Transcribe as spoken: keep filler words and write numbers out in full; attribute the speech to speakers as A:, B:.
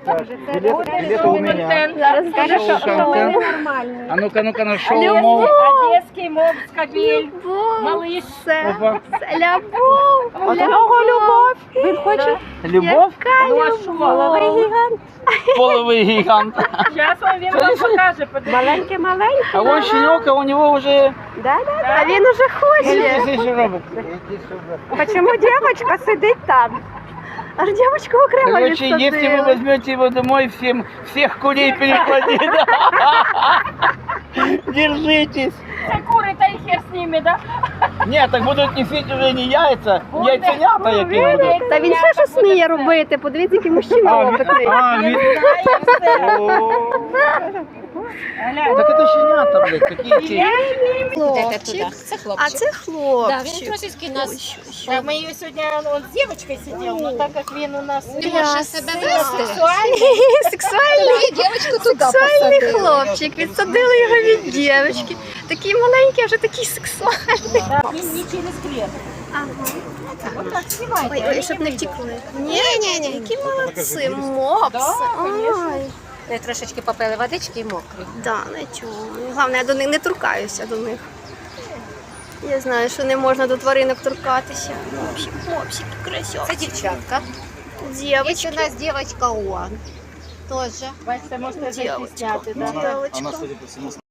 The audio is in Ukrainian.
A: Билет, билет у меня.
B: Зараз скажеш, що
A: Шушанка.
B: ми ненормальні.
A: А ну-ка, ну-ка, нашел
B: Любов.
A: мол.
C: Одеський мов, скабель,
B: Любов.
C: малиш.
B: Це,
A: Опа.
B: це любов.
A: От нього любов.
B: Він хоче.
A: Любов?
C: Ну а що?
B: Половий гігант.
A: Половый гигант.
C: Зараз він вам покаже, подивіться.
B: Маленький, маленький.
A: А вон щенек, а у него уже...
B: Да, да, да. А він уже хоче.
A: Смотри, что робот.
B: Почему девочка сидить там? Аж девочку окремо
A: Короче, если вы
B: відсадили.
A: возьмете его домой, всем, всех курей перекладите. Держитесь.
C: Це кури, та й хер з ними, да?
A: Нет, так будут несить уже не яйца, яйценята які будуть.
B: Та він ще щось сміє робити. Подивіться, який мужчина
A: А, ви-
B: опитний.
A: а, ви- О. Так это щенята, блядь, такие ці.
B: Хлопчик.
D: Це
B: А
D: хлопчик.
B: це
D: Да, він
B: хлопчик.
D: трошечки нас
C: Так, ми її сьогодні, он з дівчинкою сидів, ну так як він у нас
D: не може себе вести.
C: сексуальний,
B: Сексуальний.
D: Тоді дівчинку туди
B: Сексуальний
D: посадили.
B: хлопчик, відсадили його від дівчинки. Такий маленький, а вже такий сексуальний.
C: він не через клет.
B: Ага.
C: Вот так, знімайте.
B: Ой, ой, щоб не втекли. Ні, ні, ні, які молодці, мопси. Ой.
D: Ми трошечки попили водички і мокрі.
B: Да, нічого. Головне, я до них не торкаюся до них. Я знаю, що не можна до тваринок торкатися. Мопсик, мопсик, красивий.
D: Це дівчатка. Є
B: Дівчатки.
D: у нас дівчинка Уан. Тоже.
C: Бачите, можете
B: Дівчатка.
C: зайти зняти, да?
B: Дівчатка.